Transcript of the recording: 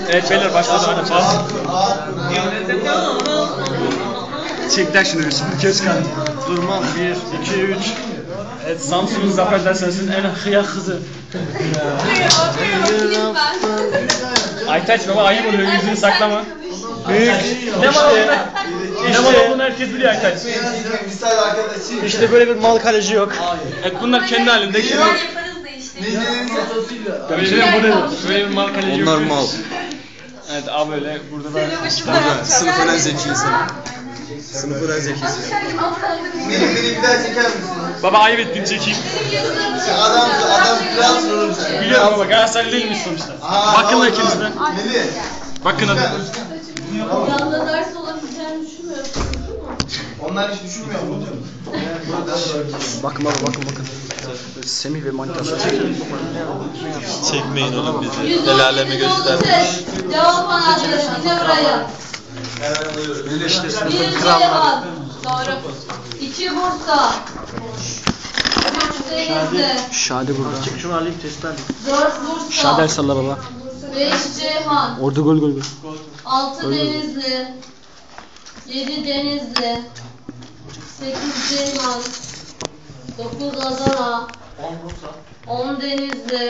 Evet beyler başladı oynayacağız. Çekler şunu bir şimdi göz kan. Durmam 1, 2, 3. Evet Samsun'un Zaferler Sensin en hıyak kızı. Aytaç baba ayıp oluyor yüzünü saklama. Büyük. Ne var onda? Ne var olduğunu herkes biliyor Aytaç. İşte böyle bir mal kaleci yok. Evet bunlar kendi halinde. Böyle bir mal kaleci yok. Onlar mal. Evet abi öyle burada da Burada sınıfın en zekisi. Sınıfın en zekisi. Beni bir daha çeker misin? baba ayıp ettin çekeyim. Adam kral sorulmuş. Biliyorum baba Galatasaraylı değilmiş sonuçta. Bakın da ikiniz de. Bakın hadi. Yanında ders olabileceğini düşünmüyorsun değil mi? Onlar hiç düşünmüyor mu? Bakın baba bakın. Semih ve Manitası Çekmeyin oğlum bizi. El aleme göstermiş. Cevap anahtarı. Yine buraya. Böyle işte Bir sınıfın kralları. Ceyhan. Doğru. 2 Bursa. 3 Denizli. Şadi burada. Çık şunu alayım testi alayım. 4 Bursa. Şadi salla baba. 5 Ceyhan. Orada gol. 6 Denizli. 7 Denizli. 8 Ceyhan. 9 Adana. 10 Denizli.